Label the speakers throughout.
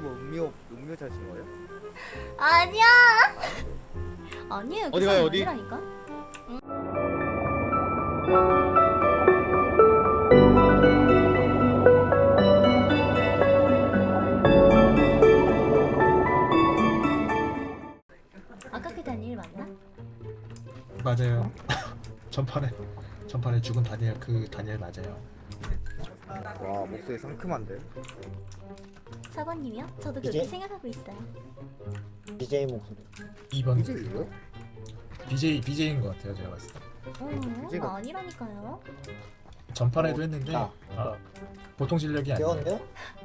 Speaker 1: 유튜브 음료 찾으신 거예요?
Speaker 2: 아니야. 아니에요. 그
Speaker 3: 어디
Speaker 2: 사람
Speaker 3: 가요, 어디?
Speaker 2: 아니라니까. 아까 그 다니엘 맞나?
Speaker 4: 맞아요. 전판에 죽은 다니엘, 그 다니엘 맞아요.
Speaker 1: 와 목소리 상큼한데?
Speaker 2: 사관님이요? 저도 그렇게
Speaker 5: 이제?
Speaker 2: 생각하고 있어요.
Speaker 5: BJ 목소리.
Speaker 4: 2번
Speaker 1: 이제 이거?
Speaker 4: BJ인 것 같아요, 제가 봤을 때.
Speaker 1: BJ가
Speaker 2: 아니라니까요.
Speaker 4: 전판에도 했는데
Speaker 5: 아.
Speaker 4: 보통 실력이 아니에요.
Speaker 5: 귀여운데요?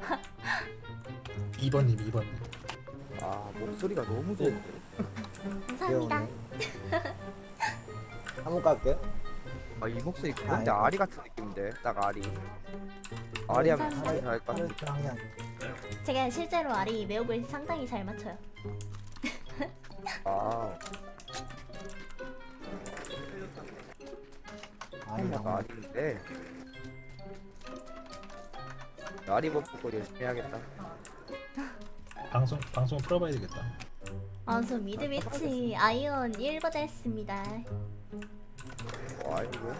Speaker 4: 2번님.
Speaker 1: 아 목소리가 너무 좋은데?
Speaker 2: 감사합니다.
Speaker 5: 귀여우네. 한번 갈게요.
Speaker 1: 아이 목소리 근데
Speaker 5: 아이고.
Speaker 1: 아리 같은 느낌인데? 딱 아리 아리 하면
Speaker 2: 감사합니다.
Speaker 1: 진짜 잘할 것 같아.
Speaker 5: 항상
Speaker 2: 제가 실제로 아리 매혹을 상당히 잘 맞춰요.
Speaker 1: 아
Speaker 5: 아니랑
Speaker 1: 나 아리인데 아리 버프고 열심히 해야겠다.
Speaker 4: 방송 풀어봐야 되겠다.
Speaker 2: 저 미드위치 아이언 1번 했습니다.
Speaker 1: 와 이거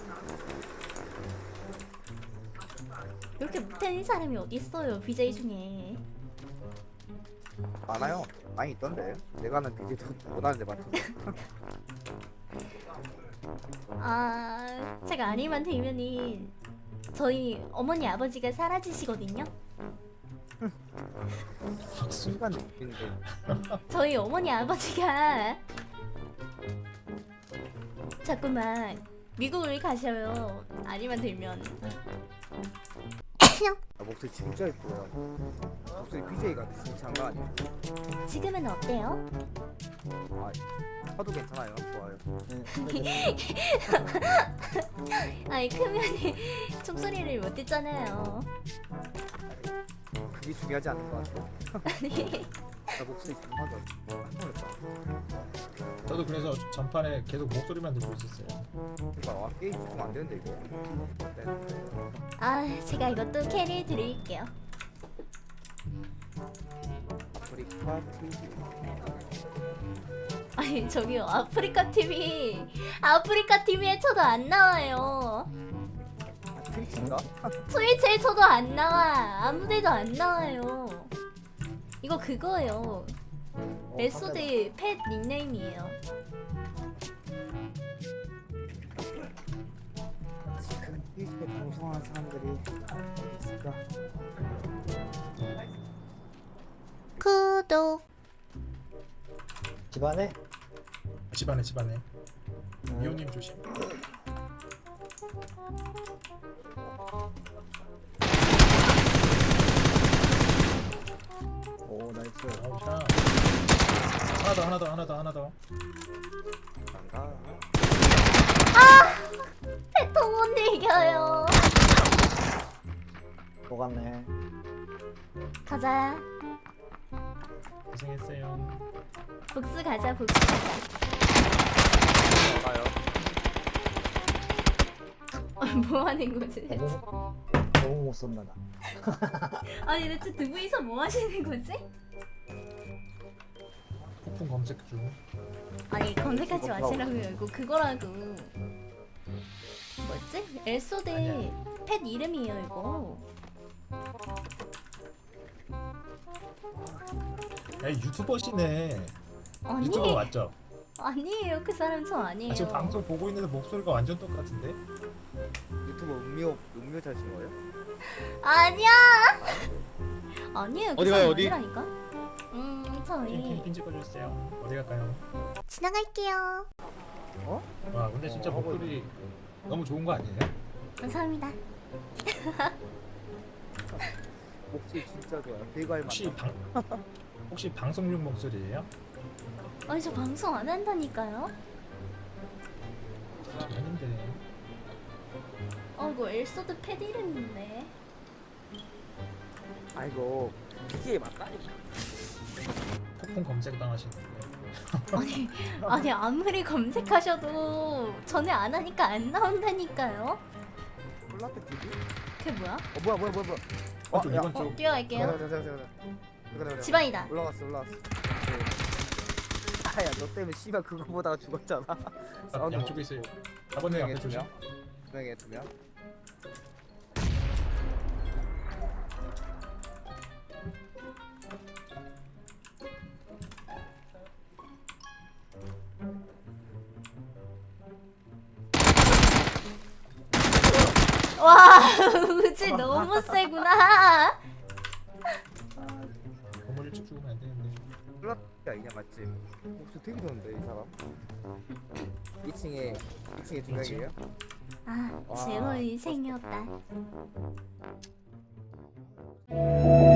Speaker 2: 이렇게 못하는 사람이 어딨어요, BJ 중에.
Speaker 1: 많아요. 많이 있던데. 내가 하는 비디도 못하는데 맞던데.
Speaker 2: 제가 아니만 되면은 저희 어머니 아버지가 사라지시거든요.
Speaker 1: 순간 느낌인데.
Speaker 2: 저희 어머니 아버지가 자꾸만 미국을 가셔요. 아니만 되면.
Speaker 1: 아, 목소리 진짜 예뻐요. 목소리 BJ 같아. 진짜 장난 아니야.
Speaker 2: 지금은 어때요?
Speaker 1: 아 하도 괜찮아요. 좋아요.
Speaker 2: 아니 크면이 총소리를 못 듣잖아요.
Speaker 1: 그게 중요하지 않을 것 같아.
Speaker 2: 아니
Speaker 1: 나 목소리 중요하다. 깜짝 놀랐다.
Speaker 4: 저도 그래서 전판에 계속 목소리만 듣고 있었어요.
Speaker 1: 그러니까 와 게임 집중 안 되는데 이거. 네.
Speaker 2: 제가 이것도 캐리 드릴게요.
Speaker 1: 아프리카 TV.
Speaker 2: 아니 저기요, 아프리카 TV에 쳐도 안 나와요.
Speaker 1: 트위치인가?
Speaker 2: 트위치에 쳐도 안 나와. 아무데도 안 나와요. 이거 그거예요. 메소드 펫 닉네임이에요.
Speaker 1: 지금 트위치에 방송하는 사람들이 어디 있을까?
Speaker 2: 구독.
Speaker 5: 집안에
Speaker 4: 집안에. 미호님 조심.
Speaker 5: 오 나이스.
Speaker 4: 아우 샤. 하나 더.
Speaker 1: 난가?
Speaker 2: 패통 못 이겨요.
Speaker 5: 녹았네.
Speaker 2: 가자.
Speaker 4: 고생했어요.
Speaker 2: 복수 가자.
Speaker 1: 나가요.
Speaker 2: 뭐 하는 거지?
Speaker 5: 너무 못 쏜다 나.
Speaker 2: 아니 대체 두 분이서 뭐 하시는 거지?
Speaker 4: 폭풍 검색 중.
Speaker 2: 아니 검색하지 마시라고요. 이거 그거라고. 뭐지? 엘소드
Speaker 4: 아니야.
Speaker 2: 펫 이름이에요 이거.
Speaker 4: 야, 유튜버시네.
Speaker 2: 아니
Speaker 4: 유튜버 맞죠?
Speaker 2: 아니에요. 그 사람 저 아니에요.
Speaker 4: 지금 방송 보고 있는데 목소리가 완전 똑같은데?
Speaker 1: 유튜브 음료 찾으신 거예요?
Speaker 2: 아니야. 아니에요. 그
Speaker 3: 어디
Speaker 2: 사람
Speaker 3: 가요, 어디?
Speaker 2: 아니라니까. 저희
Speaker 4: 핀 찍어주세요. 어디 갈까요?
Speaker 2: 지나갈게요.
Speaker 4: 와 근데 진짜 목소리 너무 좋은 거 아니에요?
Speaker 2: 감사합니다.
Speaker 1: 목소리 진짜 좋아요. 되게 할
Speaker 4: 혹시 방송용 목소리예요?
Speaker 2: 아니 저 방송 안 한다니까요.
Speaker 4: 아닌데.
Speaker 2: 이거 엘소드 펫 이름인데.
Speaker 1: 아이고 BJ 맞다니까.
Speaker 4: 폭풍 검색 당하시는데.
Speaker 2: 아니 아무리 검색하셔도 전에 안 하니까 안 나온다니까요.
Speaker 1: 콜라테 TV?
Speaker 2: 그게 뭐야?
Speaker 1: 뭐야.
Speaker 4: 쪽, 이번 쪽.
Speaker 2: 뛰어갈게요.
Speaker 1: 잠깐. 그래.
Speaker 2: 집안이다.
Speaker 1: 올라갔어. 네. 아야 너 때문에 씨발 그거 보다가 죽었잖아. 사운드
Speaker 4: 양쪽에 있어요. 4번에 앞에 조심.
Speaker 1: 두 명에 두 명.
Speaker 2: 와 우지 너무 세구나.
Speaker 4: 건물 일찍 죽으면 안 되는데.
Speaker 1: 플라야 이냐 맞지? 목소리 되게 좋은데 이 사람. 2층에 두 명이에요?
Speaker 2: 아
Speaker 1: 와.
Speaker 2: 즐거운 인생이었다.